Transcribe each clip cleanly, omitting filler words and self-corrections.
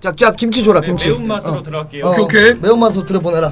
자 김치 줘라 김치. 매운맛으로 들어갈게요. 오케이. 매운맛으로 들여보내라.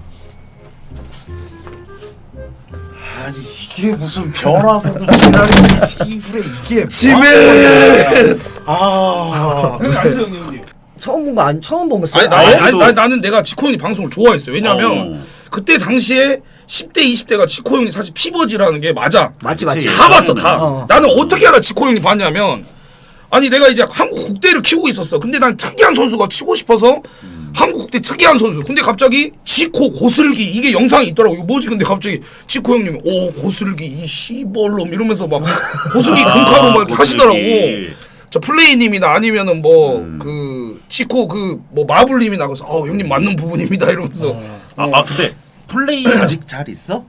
아니 이게 무슨 변화구도 지랄이 이불에 이게 지멘. 형님 앉으세요 형님. 처음 본 거 아니 처음 본 거 써. 아니 나는 내가 지코 형이 방송을 좋아했어요. 왜냐면 그때 당시에 10대 20대가 지코 형이 사실 피버지라는 게 맞아. 맞지. 다 봤어 다. 나는 어떻게 알아 지코 형이 봤냐면 아니 내가 이제 한국 국대를 키우고 있었어. 근데 난 특이한 선수가 치고 싶어서 한국 국대 특이한 선수. 근데 갑자기 지코 고슬기 이게 영상이 있더라고. 이거 뭐지? 근데 갑자기 지코 형님이 오 고슬기 이 씨벌놈 이러면서 막 고슬기 금카로 막 이렇게 하시더라고. 저 플레이님이나 아니면은 뭐 그 지코 그 뭐 마블님이 나가서 형님 맞는 부분입니다 이러면서. 근데 플레이 아직 잘 있어?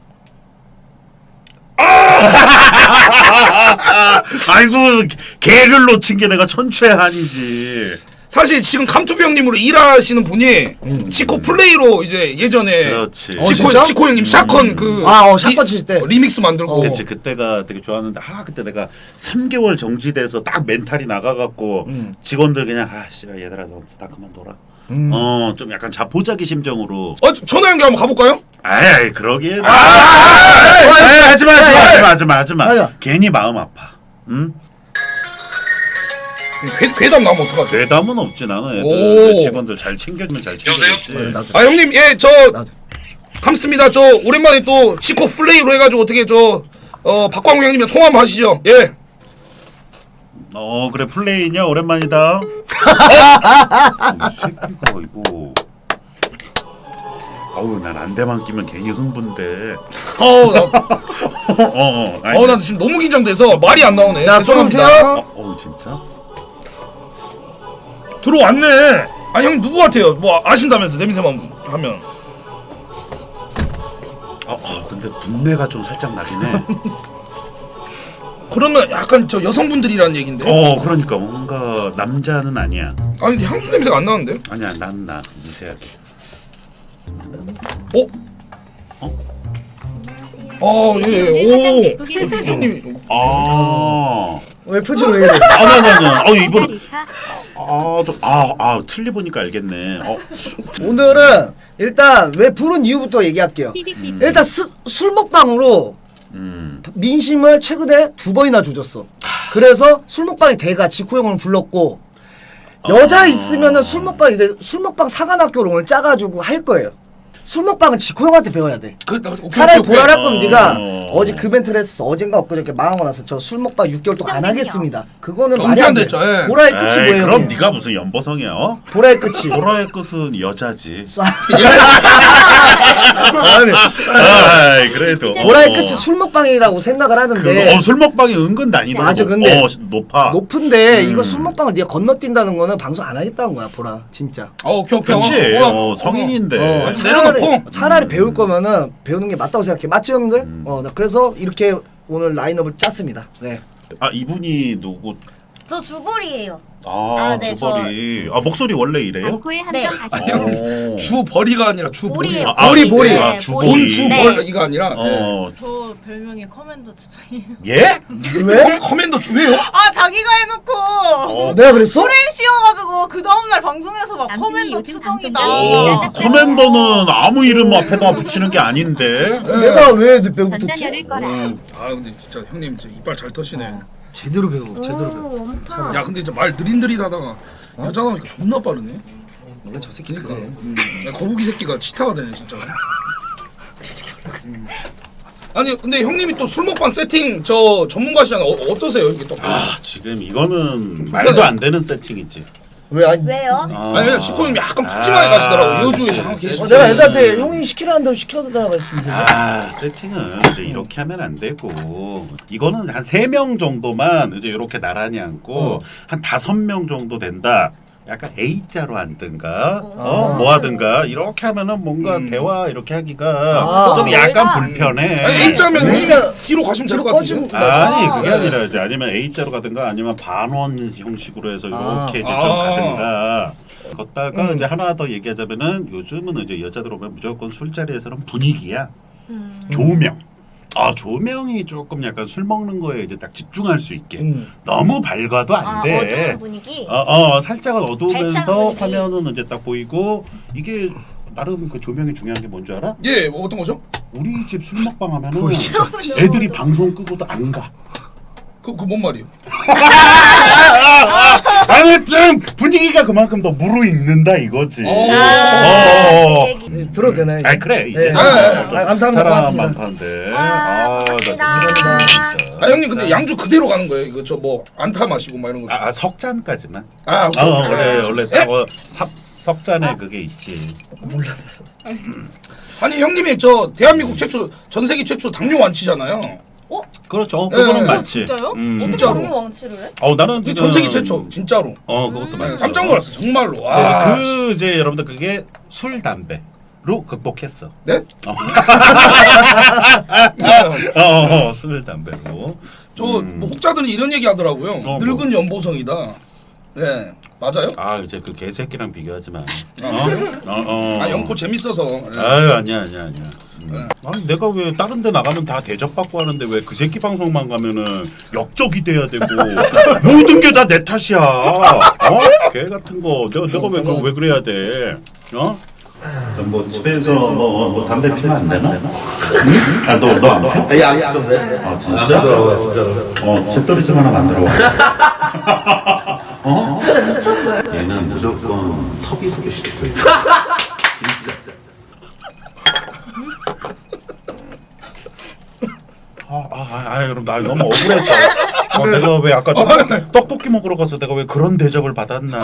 아이고 개를 놓친 게 내가 천추의 한이지. 사실 지금 감투비 형님으로 일하시는 분이 지코 플레이로 이제 예전에 그렇지. 지코 형님 샷건 그 샷건 칠 때. 리믹스 만들고. 그치 그때가 되게 좋았는데 그때 내가 3개월 정지돼서 딱 멘탈이 나가갖고 직원들 그냥 얘들아 너 다 그만둬라. 좀 약간 자포자기 심정으로. 전화 연결 한번 가볼까요? 아이 그러기에. 하지마. 괜히 마음 아파. 응? 괴담 나오면 어떡하지? 괴담은 없지 나는 애들 직원들 잘 챙겨주면 잘 챙겨줬지. 형님 저 감습니다. 저 오랜만에 또 지코 플레이로 해가지고 어떻게 박광우 형님이랑 통화 한번 하시죠. 예. 그래 플레이냐 오랜만이다. 이 새끼가 이거. 난 안대만 끼면 괜히 흥분돼. 나 지금 너무 긴장돼서 말이 안 나오네. 자, 죄송합니다. 진짜? 들어왔네. 형 누구 같아요? 뭐 아신다면서 냄새만 하면. 근데 분내가 좀 살짝 나긴 해. 그러면 약간 저 여성분들이라는 얘긴데. 그러니까 뭔가 남자는 아니야. 근데 향수 냄새가 안 나는데? 아니야 나 미세하게. 예. 형님이. 왜 표정 왜 이래? 아니. 이분. 틀리 보니까 알겠네. 오늘은 일단 왜 부른 이유부터 얘기할게요. 일단 술 먹방으로 민심을 최근에 2번이나 조졌어. 그래서 술 먹방의 대가 지코 형을 불렀고 여자 있으면은 술 먹방 사관학교를 오늘 짜가지고 할 거예요. 술 먹방은 지코 형한테 배워야 돼. 차라리 보라랄 거면 네가 어제 그 멘트를 했었어. 어젠가 엊그저께 망하고 나서 저 술 먹방 6개월 동안 안 하겠습니다. 그거는 말이 안 돼. 보라의 끝이 뭐예요? 그럼 네가 무슨 연보성이야? 보라의 끝이. 보라의 끝은 여자지. 그래도 보라의 끝이 술 먹방이라고 생각을 하는데 술 먹방이 은근 난이도가 맞아, 근데 높아. 높은데 이거 술 먹방을 네가 건너뛴다는 거는 방송 안 하겠다는 거야. 보라 진짜. 오케이. 그렇지. 성인인데. 차라리 배울 거면은 배우는 게 맞다고 생각해. 맞죠 형들? 나 그래서 이렇게 오늘 라인업을 짰습니다. 네. 이분이 누구? 저 주볼이에요. 네, 주벌이. 목소리 원래 이래요? 안코에 한점 오. 주벌이가 아니라 주보리. 보리. 보리. 네, 주보리. 주벌이가 아니라. 저 별명이 커맨더 주장이에요. 예? 왜? 커맨더 왜요? 자기가 해놓고 내가 그랬어? 프레임 씌워가지고 그 다음날 방송에서 막 커맨더 추정이다. 커맨더는 아무 이름 앞에다 붙이는 게 아닌데. 내가 왜 배우고 전단 듣지? 열을 거라. 근데 진짜 형님 진짜 이빨 잘 터시네. 제대로 배워. 제대로 배워. 엄청. 야 근데 진짜 말 느릿느릿하다가 여자가 하니까 존나 빠르네. 원래 저 새끼 그래. 야, 거북이 새끼가 치타가 되네 진짜. 아니 근데 형님이 또 술 먹방 세팅 전문가시잖아. 어떠세요 이게 또? 지금 이거는 말도 안 되는 세팅이지. 왜요? 아니 지코 형님 약간 푸짐하게 가시더라고. 여주에서 항상 계속. 내가 애들한테 형이 시키라는 대로 시켜달라고 했습니다. 세팅은 이제 이렇게 하면 안 되고 이거는 한 3명 정도만 이제 이렇게 나란히 앉고 한 5명 정도 된다. 약간 A자로 앉든가 뭐 하든가 이렇게 하면은 뭔가 대화 이렇게 하기가 좀 약간 불편해. 아니 A자면 뒤로 가시면 될 것 같은데. 아니 그게 아니라 이제 아니면 A자로 가든가 아니면 반원 형식으로 해서 이렇게 이제 좀 가든가. 걷다가 이제 하나 더 얘기하자면은 요즘은 이제 여자들 오면 무조건 술자리에서는 분위기야. 조명. 아 조명이 조금 약간 술 먹는 거에 이제 딱 집중할 수 있게 너무 밝아도 안 돼. 어두운 분위기. 살짝 어두우면서 살짝 분위기. 화면은 이제 딱 보이고 이게 나름 그 조명이 중요한 게 뭔지 알아? 예, 뭐 어떤 거죠? 우리 집 술 먹방 하면은 애들이 방송 끄고도 안 가. 뭔 말이에요? 아무튼 분위기가 그만큼 더 무르익는다 이거지. 들어도 되나요? 아 그래 이제 네. 감사합니다. 사람 고맙습니다. 많던데. 고맙습니다. 아 형님 근데 양주 그대로 가는 거예요? 이거 저 뭐 안타 마시고 막 이런 거. 석잔까지만. 원래 딱 석잔에 그게 있지. 아니 형님이 저 대한민국 최초 전 세계 최초 당뇨 완치잖아요. 그렇죠. 그거는 맞지. 진짜요? 어떻게 진짜로. 당뇨 왕치를 해? 나는 지금 전 세계 최초 진짜로. 그것도 맞죠. 깜짝 놀랐어 정말로. 와. 그 이제 여러분들 그게 술 담배로 극복했어. 네? 술 담배로. 저뭐 혹자들은 이런 얘기 하더라고요. 뭐. 늙은 연보성이다. 네 맞아요? 이제 그 개새끼랑 비교하지 마. 아 영포 재밌어서. 네. 아니야. 아니 내가 왜 다른 데 나가면 다 대접받고 하는데 왜 그 새끼 방송만 가면은 역적이 돼야 되고 모든 게 다 내 탓이야. 개 같은 거. 내가 왜 그래야 돼? 뭐 집에서 뭐 담배 피면 안 되나? 응? 너 안 펴? 아니 안 피던데. 진짜? 안 들어가 진짜로. 잿더리 좀 하나 만들어 와. 진짜 미쳤어요. 얘는 무조건 섭이 소개시킬 거야. 진짜. 그럼 나 너무 억울해서. 내가 왜 아까 떡볶이 먹으러 가서 내가 왜 그런 대접을 받았나?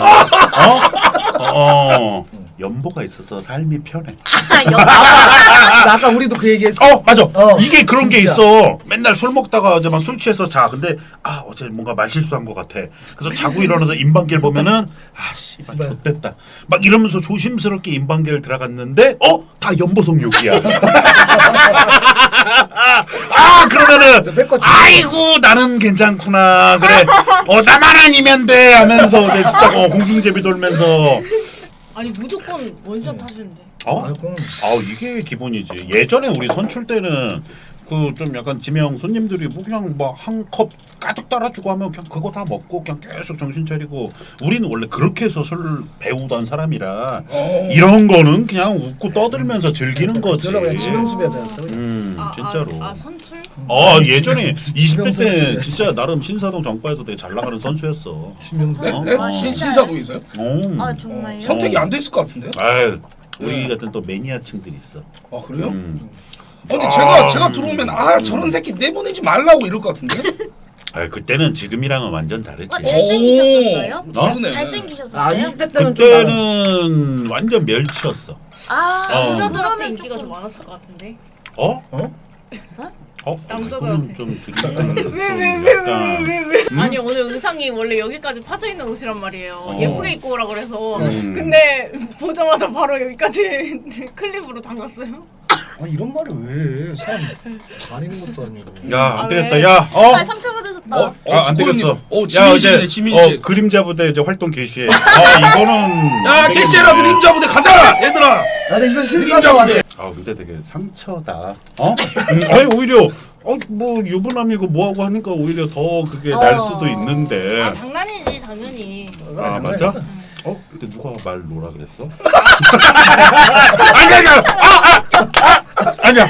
연보가 있어서 삶이 편해. 아까 우리도 그 얘기했어. 맞아. 이게 그런 게 진짜. 있어. 맨날 술 먹다가 이제 막 술 취해서 자. 근데 어제 뭔가 말실수한 것 같아. 그래서 자고 일어나서 인방길 보면은 씨발 좆됐다. 막 이러면서 조심스럽게 인방길 들어갔는데 다 연보성 욕이야. 그러면은 아이고 나는 괜찮구나. 그래. 나만 아니면 돼 하면서 이제 진짜 공중제비 돌면서 아니 무조건 원샷 하시는데. 이게 기본이지. 예전에 우리 선출 때는 그 좀 약간 지명 손님들이 뭐 그냥 뭐 한 컵 가득 따라주고 하면 그냥 그거 다 먹고 그냥 계속 정신 차리고 우리는 원래 그렇게 해서 술 배우던 사람이라 이런 거는 그냥 웃고 떠들면서 즐기는 거지. 저는 그냥 지명수배자였어. 진짜로. 선출? 예전에 20대 때 진짜 나름 신사동 정바에서 되게 잘 나가는 선수였어. 네? 신사도 있어요? 정말요? 선택이 안 됐을 것 같은데요? 우리 같은 또 매니아층들이 있어. 그래요? 근데 제가 들어오면 저런 새끼 내보내지 말라고 이럴 것 같은데? 그때는 지금이랑은 완전 다르지. 잘생기셨었어요? 다르네. 잘생기셨었어요? 20대 때는 그때는 완전 멸치였어. 남자들한테 인기가 좀 많았을 것 같은데. 그거는 좀 아니 오늘 의상이 원래 여기까지 파져 있는 옷이란 말이에요. 예쁘게 입고 오라 그래서. 근데 보자마자 바로 여기까지 클립으로 담갔어요. 이런 말을 왜 해? 사람 다니는 것도 아니고. 안 되겠다. 상처받으셨다. 안 되겠어. 지민씨네 지민씨. 그림자 부대 이제 활동 개시해. 이거는 개시해라 그림자 부대 가자 얘들아. 근데 이건 그림자 실수한 부대. 근데 되게 상처다. 아니 오히려 뭐 유부남이고 뭐하고 하니까 오히려 더 그게 날 수도 있는데. 장난이지 당연히. 맞아? 근데 누가 말 놓으라 그랬어? 아니야.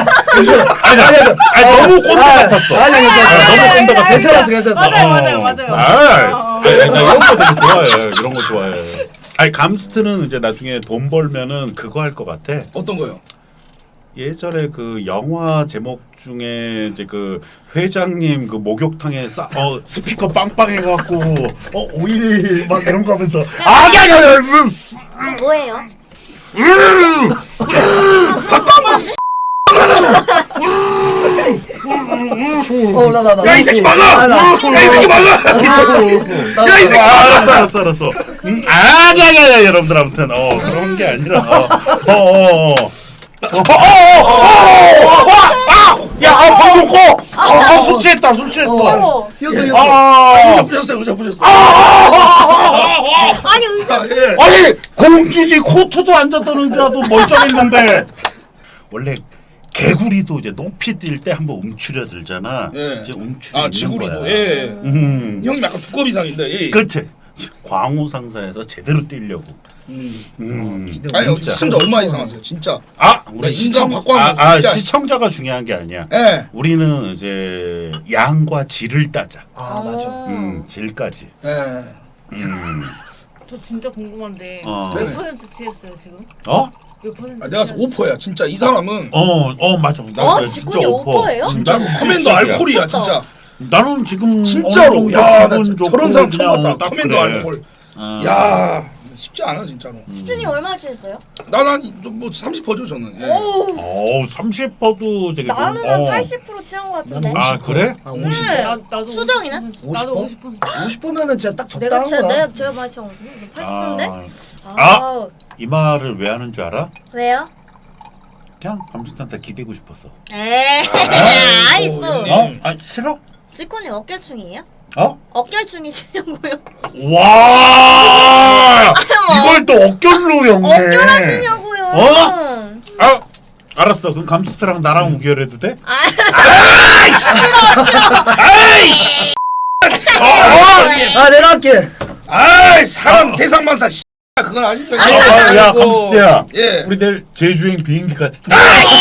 너무 꼰대 같았어. 너무 꼰대 같았어. 괜찮았어. 맞아요. 이런 거 되게 좋아해. 이런 거 좋아해. 감스트는 이제 나중에 돈 벌면은 그거 할 것 같아. 어떤 거요? 예전에 그 영화 제목 중에 이제 그 회장님 그 목욕탕에 스피커 빵빵 해갖고 오일 막 이런 거 하면서 뭐예요? 야 이 새끼 막아! 야 이 새끼 막아! 야 이 새끼 알았어. 아니야 여러분들 아무튼 그런 게 아니라 방송 꺼! 술 취했다. 보셨어요. 아니 의상. 아니 공주지 코트도 앉았다는 자도 멀쩡했는데 원래 개구리도 이제 높이 뛸 때 한번 움츠려들잖아. 예. 이제 움츠려 아 있는 지구리도 거야. 예. 형 약간 두꺼비 상인데. 예. 그렇지. 광우 상사에서 제대로 뛰려고. 아니 시청자 얼마 이상하세요 진짜. 아, 나 인정 받고 하는 거 진짜. 시청자가 중요한 게 아니야. 예. 우리는 이제 양과 질을 따자. 아 맞아. 질까지. 예. 저 진짜 궁금한데 어. 몇 퍼센트 취했어요 지금? 어? 몇 퍼센트? 아, 내가 5%야 진짜 이 사람은. 맞아. 나 진짜 직군이 5%. 5%예요? 진짜 커맨더 알콜이야 진짜. 나는 지금 진짜로. 어느 정도 야, 나 기분 좋고 저런 사람 처음 그냥 봤다. 딱 커맨더 그래. 알콜. 야, 쉽지 않아 진짜로. 수준이 얼마 취했어요? 나뭐 30%죠 저는. 예. 오, 30%도 되게 나는 좀, 한 80% 취한 것 같은데. 아, 그래? 아 50. 네. 나도 수정이는? 50%. 나도 50%. 50%면은 진짜 딱 내가 적당한 진짜 거야. 제가 마치 80%인데? 아, 이 말을 왜 하는 줄 알아? 왜요? 그냥 감스한테 기대고 싶어서. 에이, 아이 또. 형님. 아, 싫어? 직군이 어깨충이에요? 어? 어깨충이시냐고요? 와! 이걸 또 어깨로 연네. 어깨하시냐고요? 어? 아, 알았어. 그럼 감스트랑 나랑 우결해도 돼? 아 내가 할게. 아이 사람 세상만사. 그건 아니죠. 야, 감스트야. 예. 우리 내일 제주행 비행기 같이 타.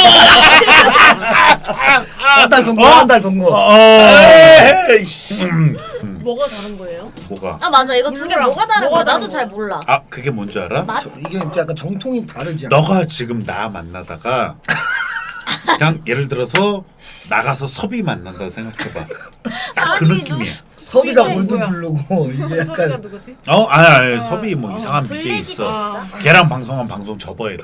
한 달 동거 한 달 동거. 에이. 뭐가 다른 거예요? 뭐가? 아 맞아 이거 두 개 몰라. 뭐가 다른 뭐가 거야? 나도 다른 잘 거야? 몰라. 아, 그게 뭔지 알아? 맛? 이게 약간 정통이 다르지 않아? 너가 지금 나 만나다가 그냥 예를 들어서 나가서 섭이 만난다 생각해봐. 딱 그 아니, 느낌이야. 섭이가 이게 뭘도 뭐야? 부르고 이게 소리가 약간 누구지? 아니 섭이 뭐 이상한 BJ 블랙이 있어. 있어. 걔랑 방송한 방송 접어야 돼.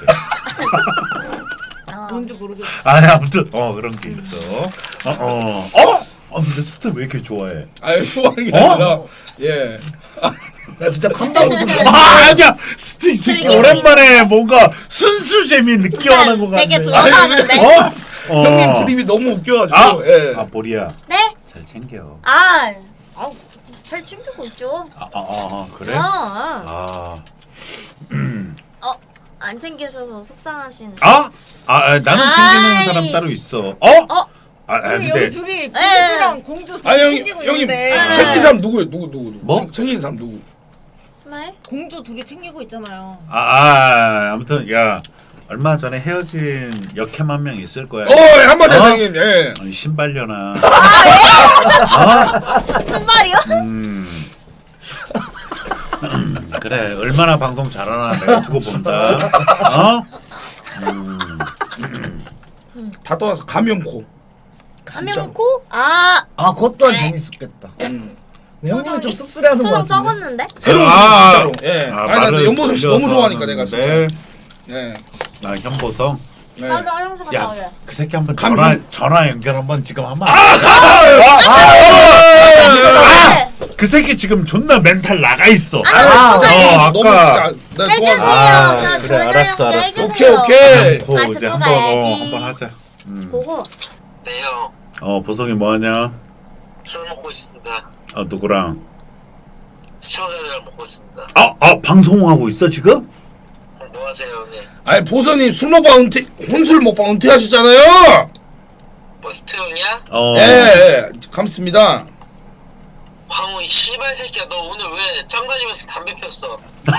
뭔지 모르겠어. 아니 아무튼 그런 게 있어. 근데 스트 왜 이렇게 좋아해? 아유 좋아하는 게 아니라 예. 나 진짜 컴다운 좀. 아니야 스트 이 새끼 오랜만에 뭔가 순수 재미 느껴하는 것 같네. 되게 좋아하는데. 형님 드립이 너무 웃겨가지고. 아, 예. 보리야 네? 잘 챙겨. 잘 챙기고 있죠. 그래? 안 챙기셔서 속상하신. 나는 챙기는 아이. 사람 따로 있어. 여기 근데 둘이 공주랑 공주 둘이 아 형님 챙기고 형님 있는데 챙긴 사람 누구예요? 누구? 뭐? 챙긴 사람 누구? 스마일? 공주 둘이 챙기고 있잖아요. 아무튼 야 얼마 전에 헤어진 역캠 한 명 있을 거야. 한마디 형님. 예. 아니, 신발려나. 신발이요? 그래 얼마나 방송 잘하나 내가 두고 본다. 다 떠나서 감염코. 감염코? 그것 또한 재밌었겠다. 네, 형님은 좀 씁쓸해하는 거 표정 같은데. 썩었는데? 새로운 진짜로. 예. 아니 나 연보성 씨 너무 좋아하니까 내가 진짜. 예. 나 현보성. 예. 나도 화장실 갔다 오래. 그 새끼 한번 감기. 전화 연결 한번 지금 한번. 그 새끼 지금 존나 멘탈 나가 있어. 너무 진짜 나 해주세요. 좋아하는. 나 그래, 전화 알았어, 연결 알았어. 해주세요. 오케이. 고 아, 이제 듣고 한번 가야지. 한번 하자. 보고. 네, 형. 보성이 뭐하냐? 술 먹고 있습니다. 누구랑? 시청자들이랑 먹고 있습니다. 방송하고 있어 지금? 뭐 하세요, 형님? 아니 보선이 술 먹방 은퇴 혼술 먹방 은퇴하셨잖아요. 뭐 스트 형이야? 예. 감사합니다. 광우 이 씨발 새끼야, 너 오늘 왜 짱 다니면서 담배 폈어?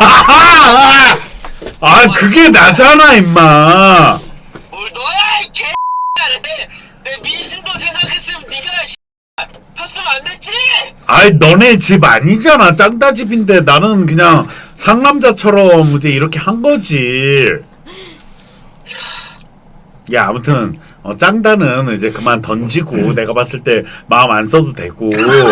그게 나잖아 임마. 뭘 너야 이 개X야. 내 민심도 생각했으면 네가 씨발 폈으면 안 됐지? 너네 집 아니잖아. 짱다 집인데 나는 그냥 상남자처럼 이제 이렇게 한 거지. 야 아무튼 짱다는 이제 그만 던지고 내가 봤을 때 마음 안 써도 되고.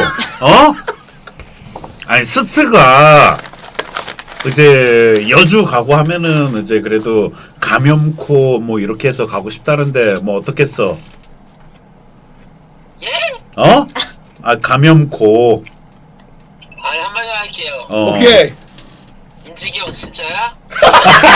아니 스트가 이제 여주 가고 하면은 이제 그래도 감염코 뭐 이렇게 해서 가고 싶다는데 뭐 어떻겠어? 예? 감염코. 아니 한마디 할게요. 오케이. 인지기 형 진짜야?